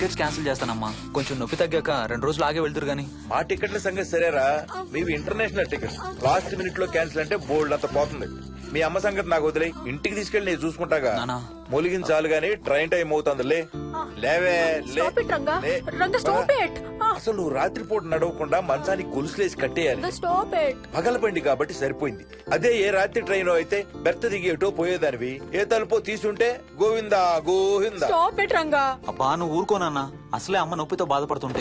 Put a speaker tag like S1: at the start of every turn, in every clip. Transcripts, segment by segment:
S1: Package cancel చేస్తానమ్మా. కొంచెం నొప్పి తగ్గాక 2 రోజులు ఆగే వెళ్తురు గానీ.
S2: మా టికెట్ల సంగతి సరేరా, మీవి ఇంటర్నేషనల్ టికెట్స్. లాస్ట్ మినిట్ లో క్యాన్సిల్ అంటే బోల్డ్ అంత పోతుంది. మీ అమ్మ సంగతి నాకు వదిలే, ఇంటికి తీసుకెళ్లి నేను చూసుకుంటాగా. మొలిగించాలు గానీ ట్రైన్ టైం అవుతుంది. లేవే లే. అసలు నువ్వు రాత్రిపూట నడవకుండా మంచానికి గొలుసులేసి కట్టేయాలి. పగలబండి కాబట్టి సరిపోయింది. అదే ఏ రాత్రి ట్రైన్ అయితే బెర్త దిగేటో పోయేదానివి. ఏ తలుపో తీసుంటే గోవిందా గోవిందా.
S1: అబ్బా నువ్వు ఊరుకోనన్నా, అసలే అమ్మ నొప్పితో బాధపడుతుంటే.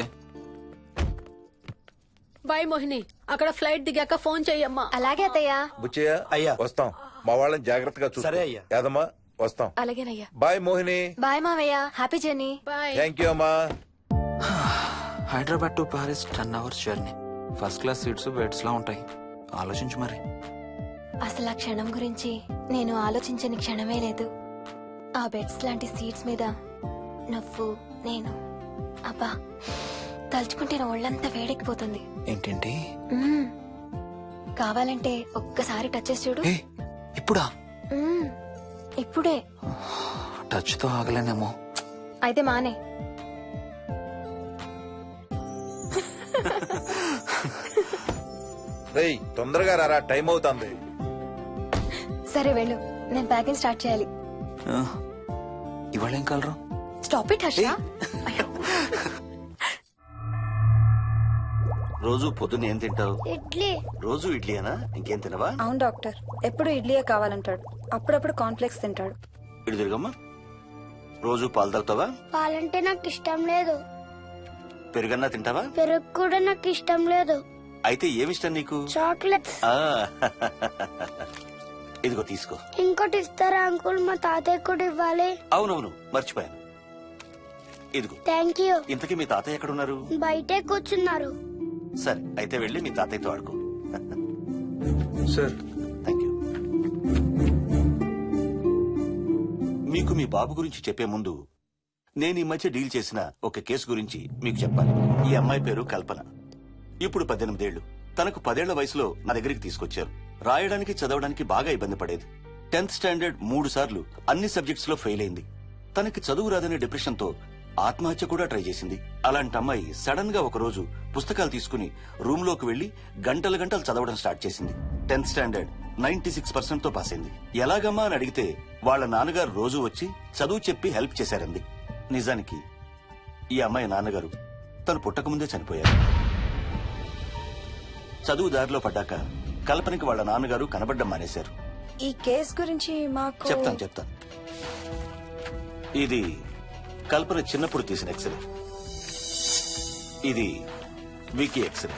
S3: బాయ్ మోహిని, అక్కడ ఫ్లైట్ దిగాక ఫోన్ చెయ్యమ్మా.
S4: అలాగే అత్తయ్య.
S2: బుచ్చయ్య
S5: అయ్యా
S2: వస్తాం. మా వాళ్ళని జాగ్రత్తగా చూసుకో.
S5: సరే అయ్యా.
S2: యాదమ్మా వస్తాం.
S4: అలాగేనయ్యా.
S2: బాయ్ మోహిని.
S4: బాయ్ మావయ్య, happy journey.
S3: Bye.
S2: Thank you అమ్మా.
S1: Hyderabad to Paris 10 hours journey. First class seats beds లా ఉంటాయి. ఆలోచించు మరి.
S4: అసలు ఆ క్షణం గురించి నేను ఆలోచించని క్షణమే లేదు. ఆ బెడ్స్ లాంటి సీట్స్ మీద నువ్వు నేను, అబ్బా తలుచుకుంటే నా ఒళ్ళంతా వేడెక్కిపోతుంది.
S1: ఏంటేంటి?
S4: కావాలంటే ఒక్కసారి టచ్ చేసి చూడు.
S1: ఇప్పుడా?
S4: ఇప్పుడే.
S1: టచ్ తో ఆగలేనేమో.
S4: అయితే మానే.
S2: రేయ్ తొందరగా రారా, టైం అవుతుంది.
S4: సరే వెళ్ళు, నేను ప్యాకింగ్ స్టార్ట్ చేయాలి.
S1: ఇవాళ ఏం కలరు?
S4: Stop it Harsha.
S5: రోజు పొద్దున్న ఏం తింటావు?
S6: ఇడ్లీ.
S5: రోజు ఇడ్లీనా? ఇంకేం తినవా?
S7: అవును డాక్టర్, ఎప్పుడు ఇడ్లీయే కావాలంటాడు. అప్పుడప్పుడు కాన్ఫ్లెక్స్ తింటాడు.
S5: ఇటు తిరగమ్మా. రోజు పాలు తాగుతావా?
S6: పాలంటే నాకు ఇష్టం లేదు.
S5: పెరుగన్నా తింటావా?
S6: పెరుగు కూడా నాకు ఇష్టం లేదు.
S5: అయితే ఏమిష్టం నీకు?
S6: చాక్లెట్స్.
S5: ఇదిగో తీసుకో.
S6: ఇంకోటి ఇస్తారా అంకుల్? మా తాతయ్య కూడా ఇవ్వాలి.
S5: అవునవును మర్చిపోయాను. ఇదిగో.
S6: Thank you.
S5: ఇంతకీ మీ తాతయ్య ఎక్కడున్నారు?
S6: బయటే కూర్చున్నారు.
S5: సరే అయితే వెళ్ళి మీ తాతయ్యతో ఆడుకో.
S2: Sir
S5: thank you. మీకు మీ బాబు గురించి చెప్పే ముందు నేను ఈ మధ్య డీల్ చేసిన ఒక కేసు గురించి మీకు చెప్పాలి. ఈ అమ్మాయి పేరు కల్పన. ఇప్పుడు 18 ఏళ్లు. తనకు 10 ఏళ్ల వయసులో నా దగ్గరికి తీసుకొచ్చారు. రాయడానికి చదవడానికి బాగా ఇబ్బంది పడేది. 10th స్టాండర్డ్ 3 సార్లు అన్ని సబ్జెక్ట్స్ లో ఫెయిల్ అయింది. తనకి చదువు రాదనే డిప్రెషన్ తో ఆత్మహత్య కూడా ట్రై చేసింది. అలాంటి అమ్మాయి సడన్ గా ఒక రోజు పుస్తకాలు తీసుకుని రూమ్ లోకి వెళ్లి గంటలు గంటలు చదవడం స్టార్ట్ చేసింది. 10th స్టాండర్డ్ 96% తో పాస్ అయింది. ఎలాగమ్మా అని అడిగితే వాళ్ళ నాన్నగారు రోజు వచ్చి చదువు చెప్పి హెల్ప్ చేశారంది. నిజానికి ఈ అమ్మాయి నాన్నగారు తను పుట్టకముందే చనిపోయారు. చదువు దారిలో పడ్డాక కల్పనకి వాళ్ళ నాన్నగారు కనబడ్డం మానేశారు.
S7: ఈ కేస్ గురించి మాకు
S5: చెప్తాను. ఇది కల్పన చిన్నప్పుడు తీసిన ఎక్స్రే. ఇది వికీ ఎక్స్రే.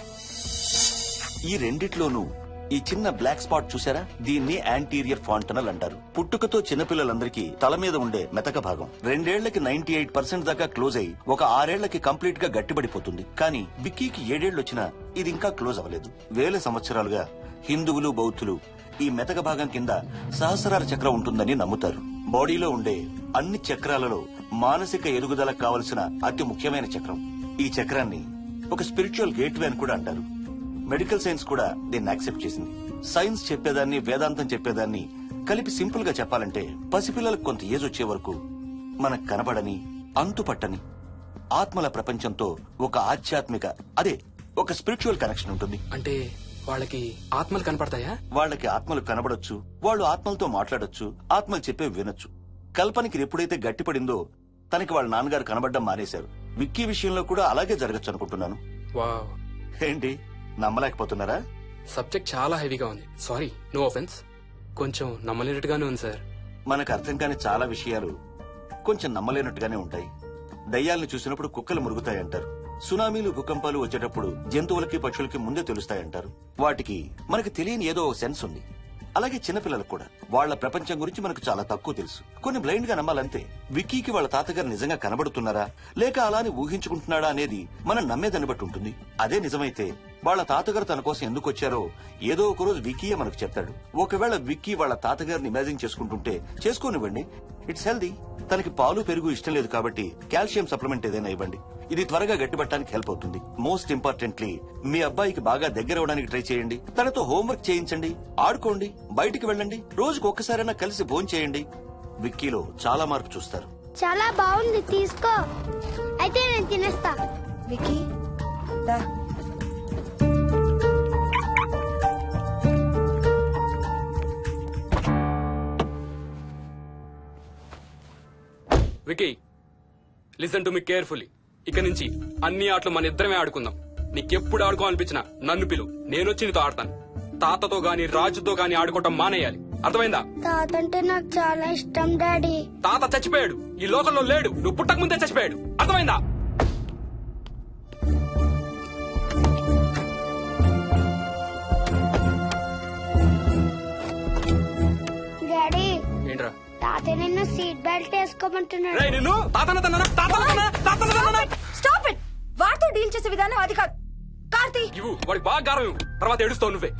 S5: ఈ రెండిట్లోనూ ఈ చిన్న బ్లాక్ స్పాట్ చూసారా? దీన్ని యాంటీరియర్ ఫాంటనల్ అంటారు. పుట్టుకతో చిన్నపిల్లలందరికీ తల మీద ఉండే మెతక భాగం 2 ఏళ్లకి 98% దాకా క్లోజ్ అయి ఒక 6 ఏళ్లకి కంప్లీట్ గా గట్టిపడిపోతుంది. కానీ విక్కీకి 7 ఏళ్లు వచ్చినా ఇది ఇంకా క్లోజ్ అవ్వలేదు. వేల సంవత్సరాలుగా హిందువులు బౌద్ధులు ఈ మెతక భాగం కింద సహస్రార చక్రం ఉంటుందని నమ్ముతారు. బాడీలో ఉండే అన్ని చక్రాలలో మానసిక ఎదుగుదలకు కావలసిన అతి ముఖ్యమైన చక్రం. ఈ చక్రాన్ని ఒక స్పిరిచువల్ గేట్వే అని కూడా అంటారు. మెడికల్ సైన్స్ కూడా దీన్ని యాక్సెప్ట్ చేసింది. సైన్స్ చెప్పేదాన్ని వేదాంతం చెప్పేదాన్ని కలిపి సింపుల్ గా చెప్పాలంటే పసిపిల్లలకు కొంత ఏజ్ వచ్చే వరకు మనకు కనబడని అంతుపట్టని ఆత్మల ప్రపంచంతో ఒక ఆధ్యాత్మిక అదే ఒక స్పిరిచువల్ కనెక్షన్ ఉంటుంది.
S8: అంటే వాళ్ళకి ఆత్మలు కనపడతాయా?
S5: వాళ్ళకి ఆత్మలు కనబడొచ్చు, వాళ్ళు ఆత్మలతో మాట్లాడొచ్చు, ఆత్మలు చెప్పే వినొచ్చు. కల్పనకి ఎప్పుడైతే గట్టిపడిందో తనకి వాళ్ళ నాన్నగారు కనబడ్డం మానేశారు. విక్కీ విషయంలో కూడా అలాగే జరగచ్చు అనుకుంటున్నాను.
S8: వావ్,
S5: ఏంటి నమ్మలేకపోతున్నారా?
S8: సబ్జెక్ట్ చాలా హెవీగా ఉంది. Sorry, no offence. కొంచెం నమ్మలేనట్టుగానే ఉంది సార్.
S5: మనకు అర్థం కాని చాలా విషయాలు కొంచెం నమ్మలేనట్టుగానే ఉంటాయి. దయ్యాలను చూసినప్పుడు కుక్కలు మురుగుతాయంటారు. సునామీలు భూకంపాలు వచ్చేటప్పుడు జంతువులకి పక్షులకి ముందే తెలుస్తాయంటారు. వాటికి మనకి తెలియని ఏదో సెన్స్ ఉంది. అలాగే చిన్నపిల్లలకు కూడా వాళ్ల ప్రపంచం గురించి మనకు చాలా తక్కువ తెలుసు. కొన్ని బ్లైండ్ గా నమ్మాలంతే. విక్కీకి వాళ్ళ తాతగారు నిజంగా కనబడుతున్నారా లేక అలానే ఊహించుకుంటున్నాడా అనేది మనం నమ్మేదాన్ని బట్టి ఉంటుంది. అదే నిజమైతే వాళ్ళ తాతగారు తన కోసం ఎందుకు వచ్చారో ఏదో ఒక రోజు విక్కీయే మనకు చెప్తాడు. ఒకవేళ విక్కీ వాళ్ళ తాతగారిని ఇమాజిన్ చేసుకుంటుంటే చేసుకోనివ్వండి, ఇట్స్ హెల్దీ. తనకి పాలు పెరుగు ఇష్టం లేదు కాబట్టి కాల్షియం సప్లిమెంట్ ఏదైనా ఇవ్వండి. ఇది త్వరగా గట్టిపట్టడానికి హెల్ప్ అవుతుంది. మోస్ట్ ఇంపార్టెంట్లీ మీ అబ్బాయికి బాగా దగ్గర అవడానికి ట్రై చేయండి. తనతో హోంవర్క్ చేయించండి, ఆడుకోండి, బయటికి వెళ్ళండి, రోజుకు ఒక్కసారైనా కలిసి భోంచేయండి. విక్కీలో చాలా మార్పు చూస్తారు.
S6: చాలా బాగుంది, తీసుకో. అయితే నేను తినేస్తా.
S7: వికీ దా.
S8: Vicky listen to me carefully. ఇక నుంచి అన్ని ఆటలు మన ఇద్దరమే ఆడుకుందాం. నీకెప్పుడు ఆడుకోవాలనిపించినా నన్ను పిలు, నేనొచ్చి నీతో ఆడతాను. తాతతో గాని రాజుతో గాని ఆడుకోవటం మానేయాలి, అర్థమైందా?
S6: తాత అంటే నాకు చాలా ఇష్టం డాడీ.
S8: తాత చచ్చిపోయాడు, ఈ లోకంలో లేడు. నువ్వు పుట్టక ముందే చచ్చిపోయాడు, అర్థమైందా?
S6: డాడీ
S8: ఏంట్రా?
S6: తాత నిన్ను సీట్ బెల్ట్ వేసుకోమంటున్నాడు.
S8: రేయ్ నిన్ను తాతన
S7: స్టాప్ ఇట్. వాడితో డీల్ చేసే విధానం అది కాదు. కార్తీ
S8: ఇవ్వు, వాడికి బాగా గారం ఇవ్వు, తర్వాత ఏడుస్తావు నువ్వే.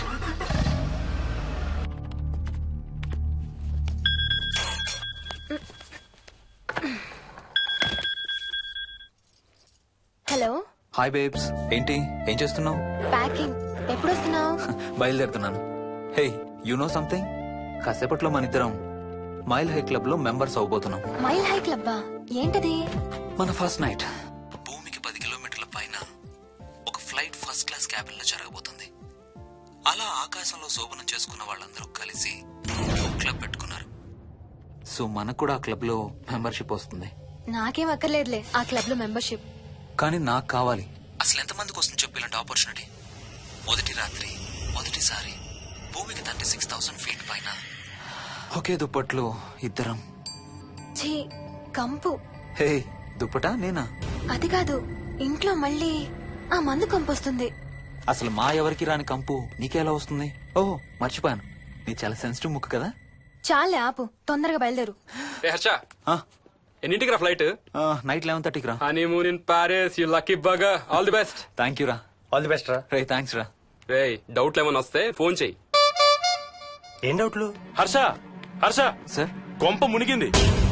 S4: హలో,
S1: హాయ్ బేబ్స్, ఏంటి ఏం చేస్తున్నావు?
S4: ప్యాకింగ్. ఎప్పుడు వస్తున్నావు?
S1: బయలుదేరుతున్నాను. Hey, you know something? కాసేపట్లో మన ఇద్దరం మైల్ హై క్లబ్ లో మెంబర్స్ అవబోతున్నాం.
S4: మైల్ హై క్లబ్బా? ఏంటది?
S1: మన ఫస్ట్ నైట్ భూమికి 10 కిలోమీటర్ల పైన ఒక ఫ్లైట్ ఫస్ట్ క్లాస్ క్యాబిన్ లో జరగబోతుంది. అలా ఆకాశంలో శోభనం చేసుకున్న వాళ్ళందరూ కలిసి ఒక క్లబ్ పెట్టుకున్నారు. సో మనకు కూడా ఆ క్లబ్ లో మెంబర్షిప్ వస్తుంది.
S4: నాకేం అక్కర్లేదులే ఆ క్లబ్ లో మెంబర్షిప్.
S1: కానీ నాకు కావాలి. అసలు ఎంతమందికి వస్తుంది చెప్పు ఇలాంటి ఆపర్చునిటీ? మొదటి రాత్రి, మొదటిసారి భూమికి 36,000 ఫీట్ పైన ఒకే దుప్పట్లో ఇద్దరం.
S4: ఛీ, కంపు.
S1: హే, దుప్పటా నేనా?
S4: అది కాదు, ఇంట్లో మళ్ళీ ఆ మందు కంపొస్తుంది.
S1: అసలు మా ఎవరికి రాని కంపు నీకెలా వస్తుంది? ఓహో, మర్చిపోయాను, నీ చాలా సెన్సిటివ్ ముక్కు కదా.
S4: చాలే ఆపు, తొందరగా బయలుదేరు.
S8: రే హర్ష, ఎన్నింటికి రా ఫ్లైట్?
S1: నైట్ 11:30కి రా.
S8: Honeymoon in Paris, you lucky bugger. All the best.
S1: Thank you రా.
S2: ఆల్ ది బెస్ట్ రా.
S1: రే థ్యాంక్స్ రా.
S8: రే డౌట్లు ఏమైనా వస్తే ఫోన్ చెయ్యి.
S9: ఏం డౌట్లు? హర్ష హర్ష,
S1: సార్
S9: కొంప మునిగింది.